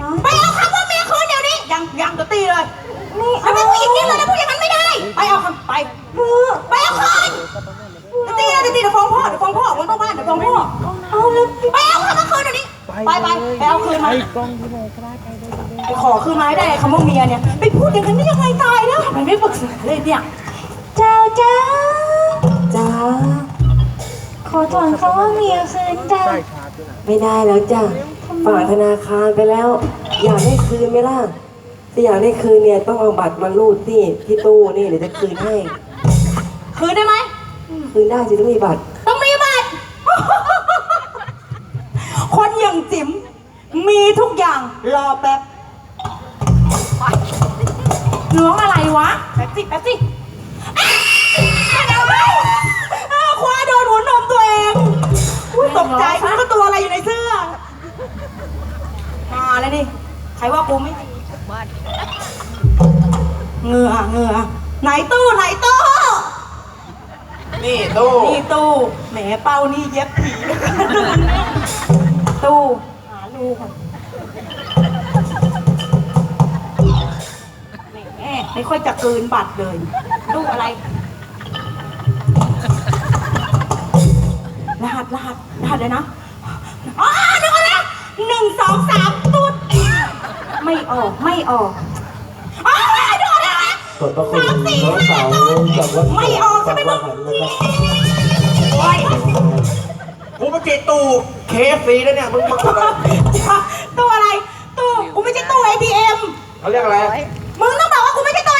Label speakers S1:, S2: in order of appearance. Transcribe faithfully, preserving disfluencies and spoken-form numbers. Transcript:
S1: ไปเอาคำว่าเมียคืนเดี๋ยวนี้ยังยังจะตีเลยแล้วเป็นผู้หญิงนี่เลยนะพูดอย่างนั้นไม่ได้ไปเอาคำไปไปเอาคืนจะตีเลยจะตีเดี๋ยวฟ้องพ่อเดี๋ยวฟ้องพ่อวันต้องบ้านเดี๋ยวฟ้องพ่อเอาเลยไปเอาคำว่าคืนเดี๋ยวนี้ไปไปไปเอาคืนมาไปขอคืนมาให้ได้คำว่าเมียเนี่ยไปพูดอย่างนั้นได้ยังไงตายแล้วทำไมไม่ปรึกษาเลยเนี่ยเจ้าจ้าจ้าขอถอนคำว่าเมียคืนจ้า
S2: ไม่ได้แล้วจ้ะฝากธนาคารไปแล้วอยากได้คืนไหมล่ะถ้าอยากได้คืนเนี่ยต้องเอาบัตรมารูดที่ที่ตู้นี่เดี๋ยวจะคืนให้
S1: คืนได้ไหม
S2: คืนได้สิต้องมีบัตร
S1: ต้องมีบัตรคนอย่างจิ๋มมีทุกอย่างรอแป๊บน้องอะไรวะแป๊บสิแป๊บสิคว้าโดนหัวนมตัวเองตกใจมันก็ตัวอะไรอยู่ในเสื้อมาแล้วนี่ใครว่ากูไม่ดีเหงื่อเหงื่อไหนตู้ไหนตู้
S3: นี่ตู้
S1: นี่ตู้แหมเป้านี่เย็บผีตู้หาลูกแหมไม่ค่อยจะเกินบัตรเลยตู้อะไรรหัสรหัสรหัสเลยนะอ๋อนึกออกแล้วหนึ่งสองสามตุ๊ดไม่ออกไม่ออกอ๋อดูนะ
S4: กดประคุณน้องสาวกับวัด
S1: ไม่ออกใช่ไหมมึง
S3: กูมาจีตู้เคฟซีแล้วเนี่ยมึงมาอะไร
S1: ตู้อะไรตู้กูไม่ใช่ตู้ เอ ที เอ็ม
S3: เขาเรียกอะไร